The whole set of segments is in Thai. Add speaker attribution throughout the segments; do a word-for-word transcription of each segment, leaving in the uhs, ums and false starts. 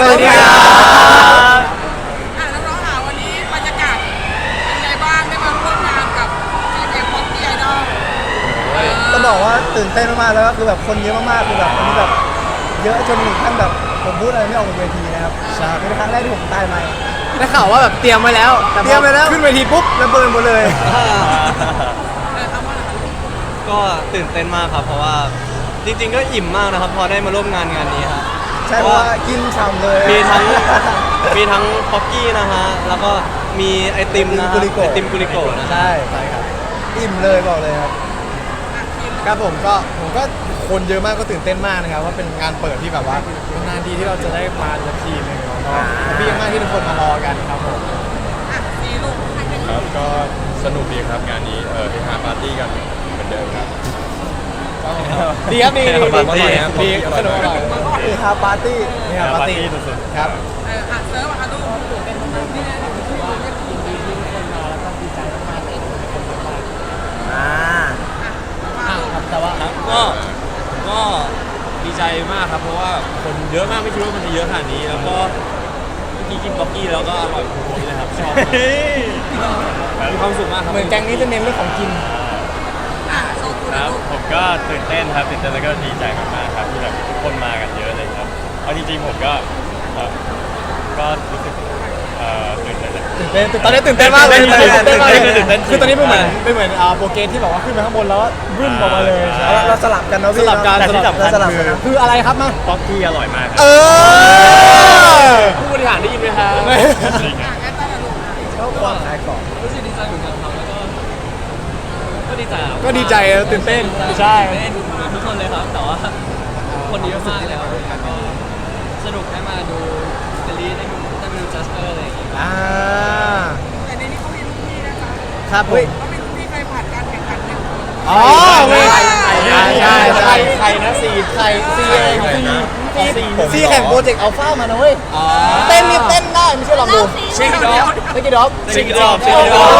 Speaker 1: วัสดีครับ
Speaker 2: อ่ะน้องๆหาวันนี้บรรยากาศเป็นไงบ้างได้มาร่วมงานกับทีมเอ็มพ็อกกี้ไอดอล
Speaker 1: ต้องบอกว่าตื่นเต้นมากๆแล้วก็คือแบบคนเยอะมากๆคือแบบวันนี้แบบเยอะจนถึงขั้นแบบผมพูดอะไรไม่ออกบนเวทีนะครับใช่เป็นครั้งแรกที่ผมตายไหม
Speaker 3: ได้ข่าวว่าแบบเตรียมไว้แล้วแต่
Speaker 1: เตรียมไปแล้ว
Speaker 3: ขึ้นเวทีปุ๊บ
Speaker 1: ระเบิดหมดเลย
Speaker 2: เออทำว่าอะไร
Speaker 4: ก็ตื่นเต้นมากครับเพราะว่าจริงๆก็อิ่มมากนะครับพอได้มาร่วมงานงานนี้ครับ
Speaker 1: ใช่เพราะว่ากินฉ่ำเลย
Speaker 4: มีทั้งมีทั้งพ็อกกี้นะฮะแล้วก็มีไอติมนะฮะ
Speaker 1: กุลิโกะ
Speaker 4: ไอติมกุลิโกะนะ
Speaker 1: ใช่ใช่ครับอิ่มเลยบอกเลยครับ
Speaker 3: ครับผมก็ผมก็คนเยอะมากก็ตื่นเต้นมากนะครับว่าเป็นงานเปิดที่แบบว่าเป็นนานทีที่เราจะได้มาสักทีหนึงเนาะพี่มากที่ทุกคนมารอกันครับผม
Speaker 2: อ่ะซีลูกใครเป็น
Speaker 5: ครับก็สนุกดีครับงานนี้เออเฮฮาปาร์ตี้กันเหมือนเดิมครับ
Speaker 3: ดีครับดีดี
Speaker 5: ปาร์ตี้ครับ
Speaker 3: ดีสนุกอร่อย
Speaker 1: นี่ฮาปาร์ตี้
Speaker 3: นี่ครับปาร์ตี้
Speaker 5: สุดๆ
Speaker 3: ครับ
Speaker 2: เอออ่ะเซิร์ฟอ่ะลูกเป็นนี่นะที่ว่าเรียกทีมดีที่ทุกคนมาแล้วก็ดีใจมากๆเลยคนเยอะมาก
Speaker 1: อ่า
Speaker 2: อ่ะมาลูก
Speaker 3: แต่ว่า
Speaker 5: ครับก็ก็ดีใจมากครับเพราะว่าคนเยอะมากไม่คิดว่ามันจะเยอะขนาดนี้แล้วก็เมื่อกี้กินบ็อกกี้แล้วก็อร่อยทุกคนเลยครับชอบมากมีความสุขมากครับ
Speaker 3: เหมือนแกงนี้จะเน้นเรื่องของกิน
Speaker 2: อ่ะโซกุ
Speaker 5: ค
Speaker 2: นะ
Speaker 5: รับ
Speaker 2: ลูก
Speaker 5: ผมก็ตื่นเต้นครับตื่นเต้นแล้วก็ดีใจมากๆครับที่แบบทุกคนมากันเยอะเลยครับเอาจริงๆผมก็เอ่อก็รู้สึกเอ่อตื่นเต้นเลย
Speaker 3: ตื่นเต้นตอนนี้ตื่นเต้นมากเลย
Speaker 5: ตื่นเต้น
Speaker 3: ตื่นเต้นมากเลย
Speaker 5: ตื่นเต้นจริง
Speaker 3: คือตอนนี้เป็นเหมือนเป็นเหมือนอ่าโปรเกรสที่แบบว่าขึ้นไปข้างบนแล้วก็บึ้มออกมาเลยใช่
Speaker 1: เราเราสลับกันเนาะ
Speaker 3: ส
Speaker 1: พี่
Speaker 3: ลับกัน
Speaker 5: แต่ที่
Speaker 3: สลับ
Speaker 5: สำคัญ
Speaker 1: เราสลับ
Speaker 5: คื
Speaker 1: กัน
Speaker 5: อ
Speaker 1: นะ
Speaker 3: คืออะไรครับมา
Speaker 5: บ็อกกี้อร่อยมากครับ
Speaker 3: เออ
Speaker 5: ผู้บริหารได้ยินไหมครับจริง
Speaker 2: อ่ะ
Speaker 5: อะ
Speaker 2: แอตตาลูก
Speaker 1: ชอบความขายของ
Speaker 4: รู้สึกดีใจเหมือนกันครับแล้วก็ก็ดีใจครับ
Speaker 3: ก็ดีใจตื่นเต้นใช่
Speaker 4: เล่นเหมือนทุกคนเลยครับแต่ว่าคนเยอะมากแล้วก็สนุกได้มาดูเดลี่ได้ดูได้มาดูจัสเปอร์อะไรอย่างเงี้ย
Speaker 3: อ่า
Speaker 2: แต่ในนี้เขามีลูกพี่นะคะ
Speaker 3: ครับผม
Speaker 2: เขามีลูกพี่ใครผ่านการแข่งขันหนึ่งคน
Speaker 3: อ๋อไม่ใช่ใช่ใช่ใช่ใครนะซีใครซีเองซีซีแข่งโปรเจกต์อัลฟามานะเว้ยเต้นนี่เต้นได้ไม่ใช่ลองดู
Speaker 4: เช็คด็อก
Speaker 3: เมื่อกี้ด็อก
Speaker 5: เช็คดอกเช็คด
Speaker 3: โอ้
Speaker 5: อก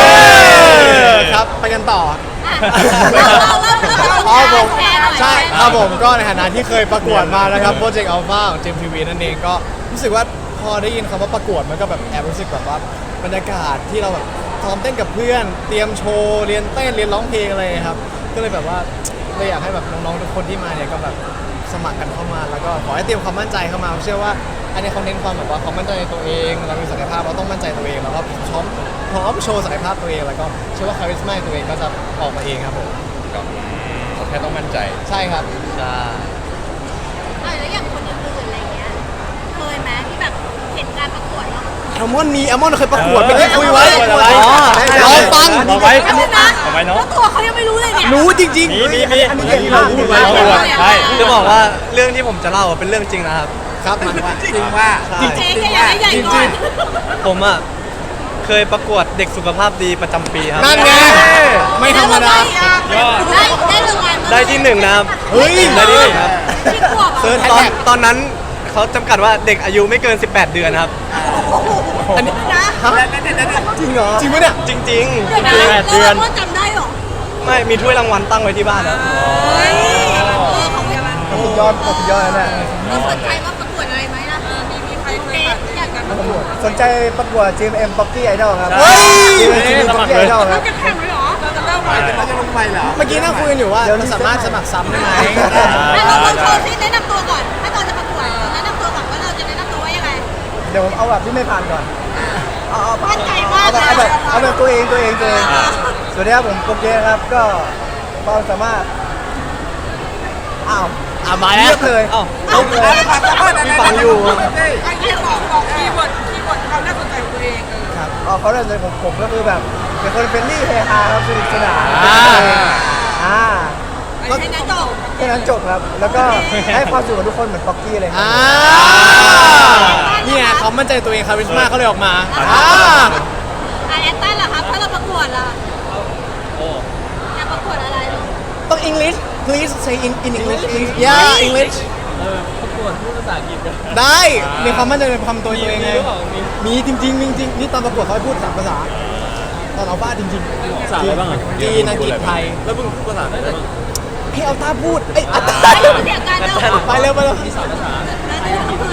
Speaker 3: ครับไปกันต่อ
Speaker 6: เราเริ่มเริ่ม
Speaker 3: อ๋อผม
Speaker 6: แชร์หน่อย
Speaker 3: ใช่ครับผมก็ในฐานะที่เคยประกวดมานะครับโปรเจกต์อัลฟาของเจมทีวีนั่นเองก็รู้สึกว่าพอได้ยินคำว่าประกวดมันก็แบบแอบรู้สึกแบบว่าบรรยากาศที่เราแบบซ้อมเต้นกับเพื่อน เตรียมโชว์เรียนเต้นเรียนร้องเพลงอะไรครับก็เลยแบบว่าเลยอยากให้แบบน้องๆทุกคนที่มาเนี่ยก็แบบสมัครกันเข้ามาแล้วก็ขอให้เตรียมความมั่นใจเข้ามาเชื่อว่าอันนี้เขาเน้นความแบบว่าความมั่นใจในตัวเองเรามีศักยภาพเราต้องมั่นใจตัวเองแล้วก็พร้อมพร้อมโชว์ศักยภาพตัวเองแล้วก็เชื่อว่าคาริสมาตัวเองก็จะออกมาเองครับผม
Speaker 5: ก็เขาแค่ต้องมั่นใจ
Speaker 3: ใช่ครับ
Speaker 4: ใช่
Speaker 6: เออแล้วอย่างคนอื่นๆอะไรเงี้ย เคยไหมที่แบบเห็นการประกวดแล้ว
Speaker 3: แอลมอนมีแอลมอนเคยประกวด
Speaker 5: เออ
Speaker 3: ไปที่คุยไว้
Speaker 5: ประกวดอะไร
Speaker 3: อ๋อรอฟัง
Speaker 5: เอาไว้
Speaker 6: แล้วนะ
Speaker 5: เอาไว้เนอะ
Speaker 6: แล้วตัวเขายังไม่รู้เลยเนี่ย
Speaker 3: รู้จริง
Speaker 5: มีมีมี
Speaker 1: อันนี้
Speaker 5: ที่เราพูดไว้
Speaker 6: เอา
Speaker 5: เรา
Speaker 6: ไว้
Speaker 5: พูดใช่
Speaker 4: จะบอกว่าเรื่องที่ผมจะเล่าเป็นเรื่องจริงนะครับ
Speaker 3: ๆ ครับมันว่า
Speaker 1: จริงว่า
Speaker 4: ใช่
Speaker 6: เจ๊แกอยากให้ใหญ่ก่อน
Speaker 4: ผมอ่ะเคยประกวดเด็กสุขภาพดีประจำปีครับ
Speaker 3: นั่นไงไม่ธรรมดา
Speaker 5: ยอด
Speaker 6: ได้ได้รางวัลมา
Speaker 4: ได้ที่หนึ่งนะครับ
Speaker 3: เฮ้ย
Speaker 4: ได้ที่หนึ่งครับ
Speaker 6: ที่ขวบ
Speaker 3: เซิร์ช
Speaker 4: ตอนตอนนั้นเขาจำกัดว่าเด็กอายุไม่เกิน สิบแปด เดือนครับ
Speaker 3: อันนี้
Speaker 6: นะ
Speaker 3: ฮะจริงเหรอจริงปะเนี่ย
Speaker 4: จริง
Speaker 6: เดี๋ยวนะ
Speaker 5: แปดเดือน
Speaker 6: แล้วเราก็จำได้เหรอ
Speaker 4: ๆ ไม่มีถ้วยรางวัลตั้งไว้ที่บ้านครับ
Speaker 6: เฮ้ยเออเขาไม่มา
Speaker 1: สุดยอดสุดยอดแล้วเนี่ย
Speaker 6: เราสนใจว่าประกวดอะไรไหมล่ะ
Speaker 2: เออมีมีใครเคย
Speaker 6: เจ๊
Speaker 2: ผ่าน
Speaker 6: อยากกัน
Speaker 1: ประกวดสนใจประกวด จี เอ็ม Pocky Idol ครับ
Speaker 3: เฮ้ย
Speaker 1: จี เอ็ม Pocky Idol ค
Speaker 2: เรา
Speaker 1: รับ
Speaker 2: จะแข่งเลยเหรอเราจะเริ่มใหม่เราจะลงใหม่เหรอ
Speaker 3: เมื่อกี้นั่งคุยกันอยู่ว่าเราสามารถสมัครซ้ำได้ไหม
Speaker 6: อ่ะเราลองโชว์ซิแนะนำตัวก่อน ถ้าตอนจะประกวดแนะนำตัวก่อนว่าเราจะแนะนำตัวว่ายังไง
Speaker 1: เดี๋ยวผมเอาแบบที่ไม่ผ่านก่อนเอาเอา
Speaker 6: มั่นใจมาก
Speaker 1: เอาแบบ
Speaker 6: นะ
Speaker 1: เอาแบบเอาแบบตัวเองตัวเองตัวเองสวัสดีครับผมโปเกครับก็ความสามารถอ้าว
Speaker 3: อ่ะมาแล้ว
Speaker 1: เลือกเลย
Speaker 4: เอ้า
Speaker 1: เอาเลยมีฟังอยู่
Speaker 2: ไอ้ที่บอกบอกคีย์เวิร์ดคีย์เวิร์ดความน่าสนใจของตัวเองเออ
Speaker 1: ครับอ๋อเขาเริ่มเลยผมผมก็คือแบบเป็นคนเฟรนลี่เฮฮาครับสนุกสนาน
Speaker 3: อ่า
Speaker 1: อ่า
Speaker 2: ไอ้ที่นั้นจบ
Speaker 1: แค่นั้นจบครับ แล้วก็ให้ความสุขกับทุกคนเหมือนป๊อกกี้เลยครั
Speaker 3: อ่า
Speaker 1: บ
Speaker 3: เนี่ยเขามั่นใจตัวเองคาริสมาเขาเลยออกมาอ่า
Speaker 6: อ่ะแอนตันล่ะครับ ถ้าเราประกวดล่ะ
Speaker 4: โอ้
Speaker 6: อยากประกวดอะไรลูก
Speaker 3: ต้อง English please say in in English yeah English
Speaker 4: เออประกวดพูดภาษาอังกฤษกัน
Speaker 3: ได้มีความมั่นใจในความตัว
Speaker 4: มี
Speaker 3: ตัวเอง
Speaker 4: มี
Speaker 3: ไง
Speaker 4: หรือเปล่ามี
Speaker 3: มีจริงๆจริงๆนี่ตอนประกวดเขาให้พูดสามภาษาตอนเอาบ้าจริงๆ
Speaker 4: ภาษาอะไรบ้างอ่ะ
Speaker 3: จีนอังกฤษไทย
Speaker 4: แล้วมึงพูดภาษาอะไรบ้าง
Speaker 3: ให้เอาตาพูดเอ้ยอัตตา
Speaker 6: เดี๋ยวกันเนาะ
Speaker 3: ไปเร็วไปเร็ว
Speaker 4: มีสามภาษา
Speaker 6: แล้วเดี๋ยวเราพูดลูก
Speaker 3: ฮ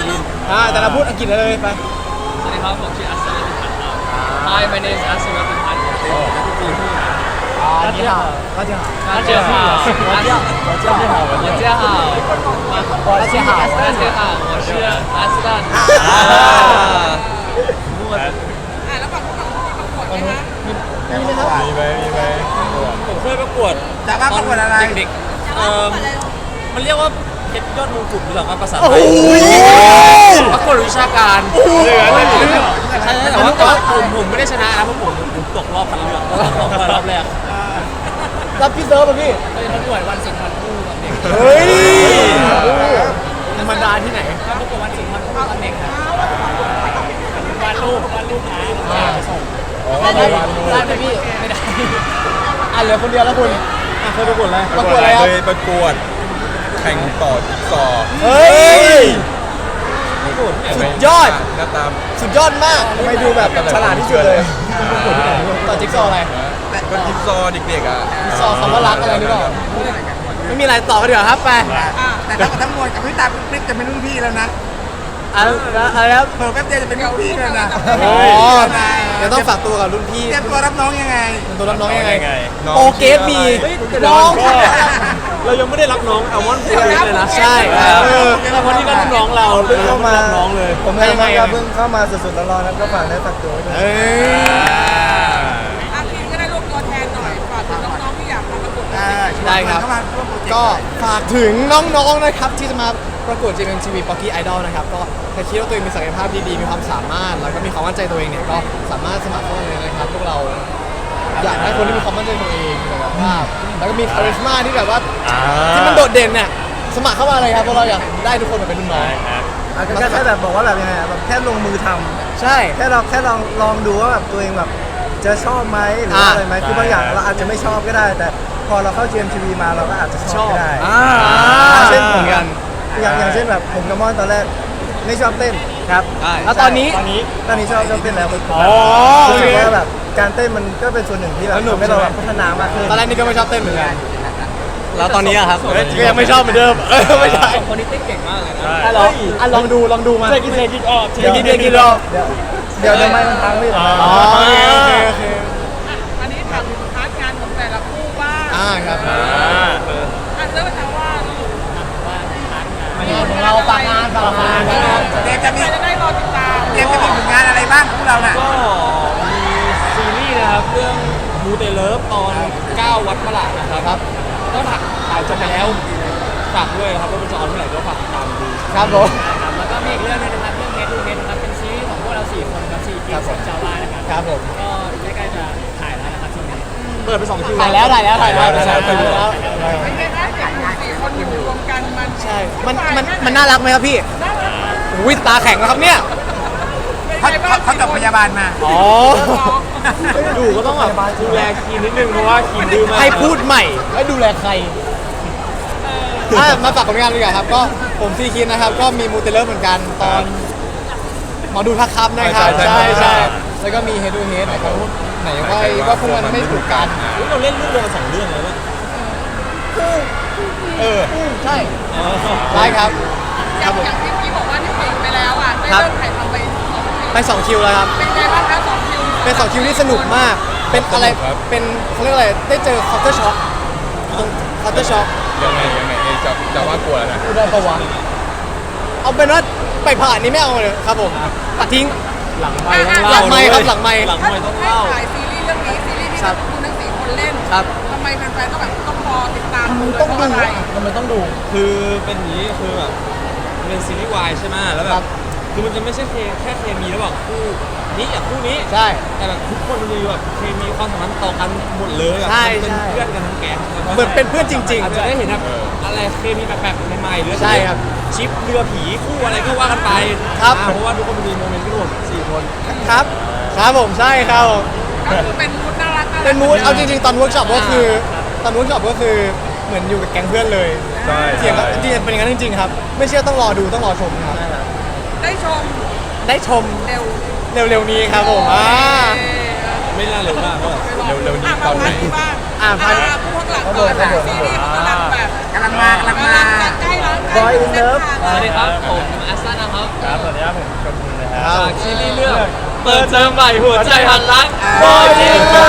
Speaker 3: อ่าแต่เราพูดอังกฤษเลยไป
Speaker 4: สวัสดีครับผมชื่ออัศวินพันธ์ครับ Hi my name is อัศวินพันธ์
Speaker 3: 大家好大家好
Speaker 4: 大家好大家好大家好大家好
Speaker 3: 大家好
Speaker 4: 大家好我是阿斯兰
Speaker 2: อ่ะแล้วฝั่งของที่ประกวดไหมคะ
Speaker 5: มีไหมมีไหมผมเคยประกวด
Speaker 1: แต่ว่าประกวดอะไร
Speaker 5: เด็กๆเอ่อมันเรียกว่าเพชรยอดมงกุฎหรือเปล่าครับภาษาไท
Speaker 3: โอ้
Speaker 5: ย
Speaker 3: ย
Speaker 5: ประกวดวิชาการเหลือเลยใช่แต่ว่าแต่ว่าผมผมไม่ได้ชนะนะเพราะผมผมตกรอบคัดเลือกตกรอบแรก
Speaker 3: รับพี่เซิร์ฟป่ะพี่
Speaker 4: เคยประกวดวันสุนทรภู่กับเด็ก
Speaker 3: เฮ้ยธรรมดาที่ไหน
Speaker 4: ประกวดวันสุนทรภู่กับเด็กครับวาดรูปวาดรูปนะแล้วส่ง
Speaker 3: ได้ไหมได้ไหมพี่ไม่ได้อ่ะเหลือคนเดียวแล้วคุณอ่ะเคยประกวดอะไรประกวดอะไรครับ
Speaker 7: เคยประกวดแข่งต่อจิ๊กซอว์
Speaker 3: เฮ้ยสุดยอด
Speaker 7: หน้าตา
Speaker 3: สุดยอดมากทำไมดูแบบฉลาดที่สุดเลยต่อจิ๊กซอว์อะไร
Speaker 7: ก็จิ๊กซอว์เด็กๆอ่ะ
Speaker 3: จิ๊กซอว์คำว่ารักอะไรหรือเปล่าไม่มีอะไรต่อกันเดี๋ยวาครับไป
Speaker 1: แต่ทั้งหมดทั้งมวลกับพี่ตาคลิปจะเป็นรุ่นพี่แล้วนะ
Speaker 3: อะไรนะอะไรครับ
Speaker 1: เพิ่มแป๊บเดียวจะเป็นรุ่นพี่แล้วนะ
Speaker 3: อ๋อเดี๋ยวต้องฝากตัวกับรุ่นพี่
Speaker 1: เตรียมตัวรับน้องยังไง
Speaker 3: เป็นตัวรับน้องยังไง
Speaker 7: น้อง
Speaker 3: โอเกสมี
Speaker 5: เฮ้ยแต่
Speaker 3: น้อง
Speaker 5: ก็เรายังไม่ได้รับน้องอัลมอนด์เลยนะ
Speaker 3: ใช่เออ
Speaker 5: แต่คนที่ก็รับน้องเรา
Speaker 1: เพิ่งเข้ามา
Speaker 5: รับน้องเลย
Speaker 1: ผมเองก็เพิ่งเข้ามาสดๆร้อนๆแล้วก็ฝากได้ฝากตัวไว้ด้วย
Speaker 3: เอ้ย
Speaker 2: อ่ะพี่ก็ได้รวบตัวแทนหน่อยฝากถึงน้องๆที่อยากมาประกวด
Speaker 3: ได้ครับ ก็ฝากถึงน้องๆนะครับที่จะมาประกวด เจ เอ็ม ที วี Pocky Idol นะครับก็ถ้าคิดว่าตัวเองมีศักยภาพดีๆมีความสามารถแล้วก็มีความมั่นใจตัวเองเนี่ยก็สามารถสมัครเข้ามาเลยนะครับพวกเราอยากได้คนที่มีความมั่นใจตัวเองศักยภาพแล้วก็มีคาริสมาที่แบบว่าที่มันโดดเด่นเนี่ยสมัครเข้ามาเลยครับเพราะเราอยากได้ทุกคนมาเป็นรุ่นน้อง
Speaker 1: อาจจะแค่แบบบอกว่าแบบยังไงอะแบบแค่ลงมือทำ
Speaker 3: ใช่
Speaker 1: แค่เราแค่ลองลองดูว่าแบบตัวเองแบบจะชอบไหมหรือว่าอะไรไหมคือบางอย่างเราอาจจะไม่ชอบก็ได้ แต่พอเราเข้า จี เอ็ม ที วี มาเราก็อาจจะชอบก็ได้
Speaker 3: อ่า
Speaker 1: เช่น
Speaker 3: เห
Speaker 1: ผ
Speaker 3: มื
Speaker 1: ม
Speaker 3: อนกัน
Speaker 1: อย่างอย่างเช่นแบบผมกับมอนตอนแรกไม่ชอบเต้นครับ
Speaker 3: แล้วตอนนี้
Speaker 1: ตอนนี้ตอนนี้ชอบชอบเต้นแล้ว
Speaker 3: อ๋อ
Speaker 1: รู้สึกว่าแบบการเต้นมันก็เป็นส่วนหนึ่งที่แบบ
Speaker 3: สนุก
Speaker 1: ทำให้เรา
Speaker 3: ใช่ไหม
Speaker 1: แบบพัฒนามากขึ้น
Speaker 3: ตอนแรกนี่ก็ไม่ชอบเต้นเหมือนกัน
Speaker 5: แล้วตอนนี้อะครับ
Speaker 3: ก็ยังไม่ชอบเหมือนเดิมเออไม่ใช่
Speaker 4: สองคนนี้เต้นเก่งมากเลยนะ
Speaker 3: อ่ะลองอ่ะลองดูลองดูมาเทกินเทกินออกเทกินเทกินออก
Speaker 1: เดี๋ยวเดี๋ยวเดี๋ยวไม่มันพังไม่หรอ
Speaker 3: อ๋อโอเคโอเคโอเค
Speaker 2: อันนี้ถามถึงพาร์ทงานของแต่ละคู่บ้าง
Speaker 3: อ่าครับ
Speaker 2: อ่ะเริ่มจากว่าลูก
Speaker 3: งานของเราฝากงานฝากงาน
Speaker 1: เดี๋ยวจะมี
Speaker 2: ใครจะได้รอติดตาม
Speaker 1: เดี๋ยวจะมีผลงานอะไรบ้างพวกเราน่ะ
Speaker 5: ก็มีซีรีส์นะครับเรื่องมูเตเลิฟตอนเก้าวัดประหลาดนะครับก็ถ่ายถ่ายจบไปแล้วฝากด้วยนะครับว่ามันจะออนเมื่อไหร่ก็ฝากติดตามดู
Speaker 3: ครับผม
Speaker 4: แล้วก็มีอีกเรื่องหนึงนะครับเรื่องเฮดดูเฮดนะครับเป็นซีรีส์ของพวกเราสี่คนครับสี่กิจเจ้าบ้านนะครับ
Speaker 3: ครับผม
Speaker 4: ก็ใกล้ๆจะถ่ายแล้วนะครับช่วงนี้
Speaker 5: เปิดไปสองคิว
Speaker 3: ถ่ายแล้วถ่ายแล้วถ่ายแล้ว
Speaker 5: ถ่าย
Speaker 3: ถ่าย
Speaker 5: แล้ว
Speaker 3: แล้ว
Speaker 2: เป็นไงบ้างเด็กหนุ่มสี่คนอยู่รวมกันมัน
Speaker 3: ใช่มันมันมันน่ารักไหมครับพี่อุ้ยตาแข็งแล้วครับเนี่ย
Speaker 1: เขาเขาเขาจบพยาบาลมา
Speaker 3: อ๋อ
Speaker 5: อยู่ก็ต้องแบบดูแลคีนนิดนึงเพราะว่าคีนดื้อมาก
Speaker 3: ให้พูดใหม่ให้ดูแลใครอ่ะมาฝากผลงานดีกว่าครับ ก็ผมซีคินนะครับ ก็มีมูเตเลอร์เหมือนกันตอนหมอดูทักครับนะครับ
Speaker 7: ใช่
Speaker 3: ใช่
Speaker 7: ใช่
Speaker 3: ใช่แล้วก็มีเฮดูเฮดนะครับไหนว่าว่าพวกมันไม่ถูกกัน
Speaker 5: อุ๊ยเราเล่นเรื่องเดียวกันสองเรื่องเลยว่ะ
Speaker 3: เออใช่ได้ครับ
Speaker 2: อย่างอย่างที่พี่บอกว่าที่ปิดไปแล้วอ่ะได้เริ่มถ่ายทำไปสองคิว
Speaker 3: ไปสองคิวแล้วครับ
Speaker 2: เป็นไงบ้างคะสองคิว
Speaker 3: เป็นสองคิวที่สนุกมาก เป็นอะไร เป็นเขาเรียกอะไร ได้เจอคอร์เตอร์ช็อคตรงคอร์เตอร์ช็อค
Speaker 7: ยังไงยังไงเอ้ยจะจะว่ากลัวแล้วนะ
Speaker 3: พูดได้ปะวะเอาเป็นว่าไปผ่านนี้ไม่เอาเลยครับผมตัดทิ้ง
Speaker 5: หลังไม่ต้อง
Speaker 3: หลั
Speaker 5: เล่าง
Speaker 3: ไมค์ครับหลังไมค์
Speaker 5: หลังไม่ต้อง
Speaker 2: ให้
Speaker 5: เล่า
Speaker 2: ถ่ายซีรีส์เรื่องนี้ซีรีส์ที่
Speaker 3: ครับ
Speaker 2: คุณทั้งสี่คนเล่น
Speaker 3: ครับ
Speaker 2: ทำไมแฟนๆต้องแบบต้องรอติดตามดู
Speaker 3: ต้อง
Speaker 2: เพ
Speaker 3: ดู
Speaker 2: ราะอะไร
Speaker 3: อ่ะทำไมต้องดู
Speaker 5: คือเป็นอย่างนี้คือแบบมันเป็นซีรีส์วายใช่ไหมแล้วแบ
Speaker 3: ครับ บ
Speaker 5: คือมันจะไม่ใช่เคแค่เคมีระหว่างคู่นี้กับคู่นี้
Speaker 3: ใช่
Speaker 5: แต่แบบทุกคนมันจะมีแบบเคมีความสัมพันธ์ต่อกันหมดเลยแบบ
Speaker 3: ใช่
Speaker 5: มันเป็น
Speaker 3: ใช่
Speaker 5: เพื่อนกันทั้งแก๊ง
Speaker 3: เหมือนเป็นเพื่อนจริงๆ
Speaker 5: อาจจะได้เห็นแบบอะไรเคมีแปลกๆใหม่ๆหรือ
Speaker 3: ใช่ครับ
Speaker 5: ชิปเรือผีคู่อะไรก็ว่ากันไป
Speaker 3: ครับ
Speaker 5: อ่าเพราะว่าทุกคนมันมีโมเมนต์ที่รวมสี่คน
Speaker 3: ครับ ครับผมใช่ครับผม
Speaker 2: ก็คือเป็นมูดน่ารักน่ารัก
Speaker 3: เป็นมูดเอาจริงๆ ตอนเวิร์กช็อปก็คือตอนเวิร์กช็อปก็คือเหมือนอยู่กับแก๊งเพื่อนเลย
Speaker 7: ใช่
Speaker 3: เถียงกันจริงๆเป็นอย่างนั้นจริงๆครับ ไม่เชื่อต้องรอดูต้องรอชมครับ
Speaker 2: ได้ชม
Speaker 3: ได้ชม
Speaker 2: เร็ว
Speaker 3: เร็วๆนี้ครับผมอ่า
Speaker 5: ไม่น่าเร็วมากเท่าไหร่
Speaker 7: เร็วๆนี้ตอนไหน
Speaker 2: บ้าง
Speaker 3: อ่ะ
Speaker 2: อ่าผู้ข้างหลังก่อนนะซีรีส์เขากำลังแบบ
Speaker 8: กำลังมากำลังมา
Speaker 2: ใกล้แล้ว
Speaker 1: บอยอินเลิฟ
Speaker 4: สวัสดีครับ ผมอัสซันนะครับ
Speaker 7: ครับสวัสดีครับผมกบุญนะค
Speaker 3: ครั
Speaker 7: รับ
Speaker 3: บ
Speaker 4: จากซีรีส์เรื่องเปิดเทอมใหม่หัวใจหันรัก
Speaker 8: บอยอินเลิ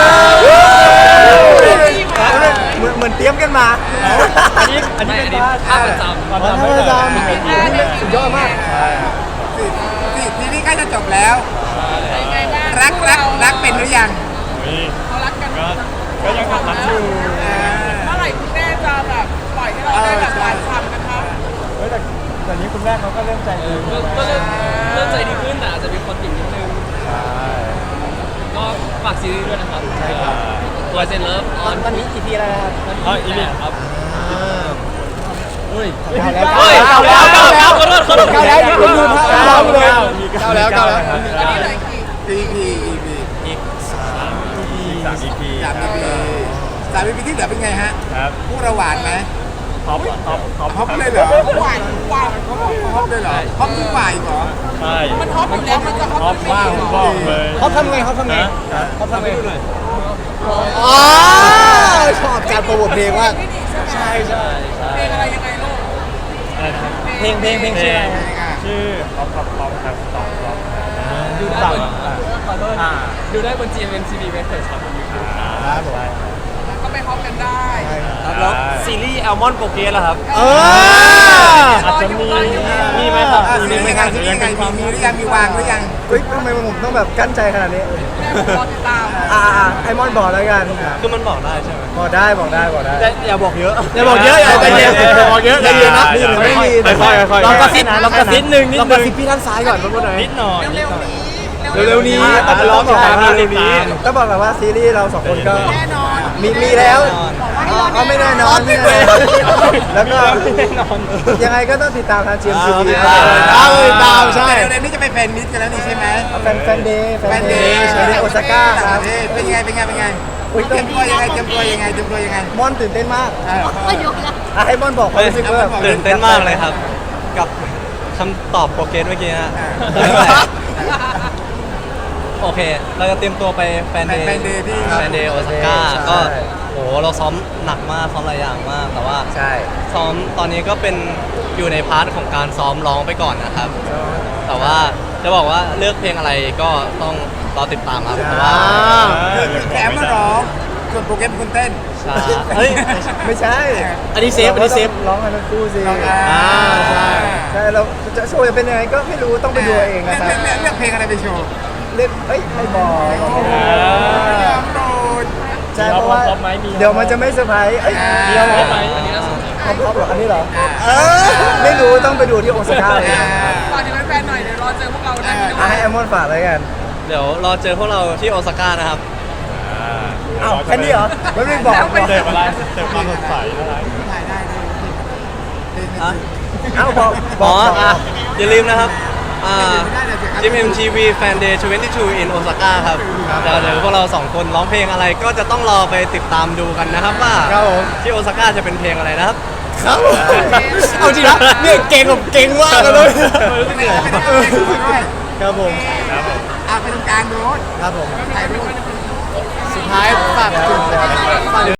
Speaker 8: ฟ
Speaker 1: เหมือนเหมือนเตรียมกันมา
Speaker 4: อันนี้อันนี้เป็นภาพประจำ
Speaker 1: ภาพประจำสุดยอดมาก
Speaker 8: สิสิทีนี้ใกล้จะจบแล้ว
Speaker 2: เป็นไงบ้าง
Speaker 8: รักรักรักเป็นหรือยัง
Speaker 2: เขารักกัน
Speaker 7: ก็ยังรักอยู่
Speaker 2: เมื่อไหร่คุณแม่จะแบบปล่อยให้เราได้แบบหวานฉ่ำกันคะ
Speaker 1: เฮ้ยแต่แต่นี้คุณแม่เขาก็เริ่มใจดี
Speaker 4: ก็ก็เริ่มเริ่มใจดีขึ้นแต่อาจจะมีคนติดนิดนึงก็ฝากซีรีส์ด้วยนะครับใช่ครับตัวเซนเลิฟออน
Speaker 1: ตอนนี้กี่ทีแล้วนะครับ
Speaker 4: อ๋ออีนี่ครับเฮ้ย
Speaker 1: เก้าแล้ว
Speaker 4: เฮ้ย
Speaker 1: เก้า
Speaker 4: เก้า
Speaker 1: แล้ว
Speaker 4: แล้วเก้าแล้วขอโทษขอโทษ
Speaker 1: เก้าแล้วคุณดูภาพเก้าเลย
Speaker 3: เก้าแล้วเก้าแล้ว
Speaker 2: อันนี้เหลยกี่
Speaker 8: อีพีอีพี
Speaker 7: อีกสามอีพี
Speaker 8: สามอีพีสามอีพีที่เหลือเป็นไงฮะ
Speaker 7: ครับ
Speaker 8: คู่เราหวานไหม
Speaker 7: ท็อปท็อปท็อป
Speaker 8: ฮอปเลยเหรอ
Speaker 2: หวานหวาน
Speaker 8: ฮอปเลยเหรอฮอปทุกฝ่ายเหรอ
Speaker 7: ใช่
Speaker 2: มันฮอปอยู่แล้วมันจะฮอป
Speaker 7: ท็อปมากผมบอกเลย
Speaker 1: เขาทำไงเขาทำไง
Speaker 7: นะ
Speaker 1: เขาทำไง
Speaker 3: อ๋อชอบการโปรโมทเพลงมาก
Speaker 2: ใช่ใช่เพลงอะไรยังไงลูก
Speaker 7: อะไรนะครับ
Speaker 1: เพลงเพลงเพลงชื่ออะไร
Speaker 7: ชื่อท็อปท็อปท็อปครับท็อปท็อป
Speaker 4: ดูได้บนขอโทษดูได้บน จี เอ็ม เอ็ม ที วี Records ครับ
Speaker 3: ครับผม
Speaker 2: ก็ไปฮอปกันได้
Speaker 5: ครับแล้วซีรีส์แอลมอนโปรเกสล่ะครับ
Speaker 3: เออ
Speaker 2: อาจจะมี
Speaker 7: มีไหมครับ
Speaker 8: อ่ะซีรีส์ยังไงซีรีส์ยังไงมีมีหรือยังมีวางหรือยัง
Speaker 1: เฮ้ยทำไมผมต้องแบบกั้นใจขนาดนี้
Speaker 2: แม่ผมรอติดตาม
Speaker 1: อ่าอ่าไอมอนบอกแล้วกัน
Speaker 5: คือมันบอกได้ใช่ไหม
Speaker 1: บอกได้บอกได้บอกได้
Speaker 5: แต่อย่าบอกเยอะ
Speaker 3: อย่าบอกเยอะอย่าใจเย็นอย่าบอกเยอะใจเย็นนะ
Speaker 1: มีหรือไม่มี
Speaker 7: ค่อยๆค่อยๆ
Speaker 3: ลองกระซิบ
Speaker 1: นะ
Speaker 3: ลองกระซิบหนึ่งนิดนึงลองกระซิบพี่ด้านซ้ายก่อนว่าไหน
Speaker 7: นิดหน่อย
Speaker 2: เร็วๆนี้
Speaker 3: เร็วๆนี้
Speaker 1: ต้อง
Speaker 3: ร้องบอก
Speaker 1: ใช่
Speaker 3: ตามเร็วๆนี้
Speaker 1: ต้องบอกกันว่าซีรีส์เราสองคนก็
Speaker 2: แน่นอน
Speaker 1: มีมีแล้วอ๋อเอาไม่แน่นอนไม่แน่นอนแล้วก็ยังไงก็ต้องติดตามทางจีเอ็มทีวี
Speaker 3: ตามเลยตามใช่
Speaker 8: เดี๋ยวเดี๋ยวนี้จะไปแฟนมิตกันแล้วนี่ใช่ไหม
Speaker 1: แฟนแฟนเดย์แฟ
Speaker 8: แฟ
Speaker 1: น
Speaker 8: น
Speaker 1: เด
Speaker 8: เด
Speaker 1: ย์
Speaker 8: ย์
Speaker 1: แฟนเดย์โอซาก้าครับ
Speaker 8: เอ้ยเป็นไงเป็นไงเป็นไง
Speaker 1: อุ๊ย
Speaker 8: เตรียมตัวยังไงเตรียมตัวยังไงเตรียมตัวยังไง
Speaker 1: มอนตื่นเต้นมาก
Speaker 8: เออ
Speaker 6: ไม่ยกแล้ว
Speaker 1: อ่ะให้มอนบอกความรู้สึกว่าแบบ
Speaker 5: ตื่นเต้นมากเลยครับ กับคำตอบโปรเกสเมื่อกี้ฮะ โอเค เราจะเตรียมตัวไปแฟนเดย์
Speaker 8: แฟนเดย์ที่
Speaker 5: แฟนเดย์โอซาก้าก็โหเราซ้อมหนักมากซ้อมหลายอย่างมาก แต่ว่า
Speaker 1: ใช่
Speaker 5: ซ้อมตอนนี้ก็เป็นอยู่ในพาร์ทของการซ้อมร้องไปก่อนนะครับ แต่ว่าจะบอกว่าเลือกเพลงอะไรก็ต้องรอติดตามครับเพราะว่า
Speaker 8: คือแถมมาร้องส่วนโปรแกรมคุณเต้น
Speaker 5: ใช่เฮ้ย
Speaker 1: ไม่ใช่
Speaker 3: อันนี้เซฟอันนี้เซฟ
Speaker 1: ร้องกันทั้งคู่สิ
Speaker 8: อ่า
Speaker 1: ใช่ใช่เราจะโชว์จะเป็นยังไงก็ไม่รู้ต้องไปดูเองนะครับ
Speaker 8: เลือกเลือกเพลงอะไรไปโชว์
Speaker 1: เล่นเอ้ยไม่บอก
Speaker 8: ยอมโดน
Speaker 1: ใช่เพราะว่าเดี๋ยวมันจะไม่เซอร์ไพรส์เอ้ย
Speaker 8: มี
Speaker 1: เดี๋ยว
Speaker 8: เอา
Speaker 1: นะ
Speaker 8: ไหม
Speaker 4: อันนี้น่าสนใจ
Speaker 1: ท็อปท็อปเหรออันนี้เหรอเออไม่รู้ต้องไปดูที่โอซาก้าเลย
Speaker 2: ฝากถึงแฟนๆหน่อยเดี๋ยวรอเจอพวกเราได้ที่
Speaker 1: อ่ะให้แอมมอนฝากเลยกัน
Speaker 5: เดี๋ยวรอเจอพวกเราที่โอซาก้านะครับ
Speaker 1: อ้าวแค่นี้เหรอไม่ได้บอกบอก
Speaker 7: เติมอะไรเติมความสดใสอะไร
Speaker 8: ถ่ายได้เลย
Speaker 1: เอ้าบอกบ
Speaker 5: อ๋
Speaker 1: อ
Speaker 5: อก
Speaker 1: บอก
Speaker 5: อ่ะอย่าลืมนะครับ อ่า
Speaker 8: ไม่ได้เลยสิครับ
Speaker 5: จิม เอ็ม ที วี Fan Day ยี่สิบสอง in Osaka ครับเดี๋ยวเดี๋ยวพวกเราสองคนร้องเพลงอะไรก็จะต้องรอไปติดตามดูกันนะครับว่า
Speaker 3: ครับผม
Speaker 5: ที่โอซาก้าจะเป็นเพลงอะไรนะครับ
Speaker 3: ครับผมเอาจริงนะเนี่ยเก่งแบบเก่งมากเลย
Speaker 8: ไม่ได้ไม่ได้เอาเพลงมาด้วย
Speaker 3: ครับผม
Speaker 8: อ่ะไปตรงกลางโน้ต
Speaker 3: ครับผม
Speaker 8: ถ่ายรูป
Speaker 3: สุดท้ายฝากถึงฝาก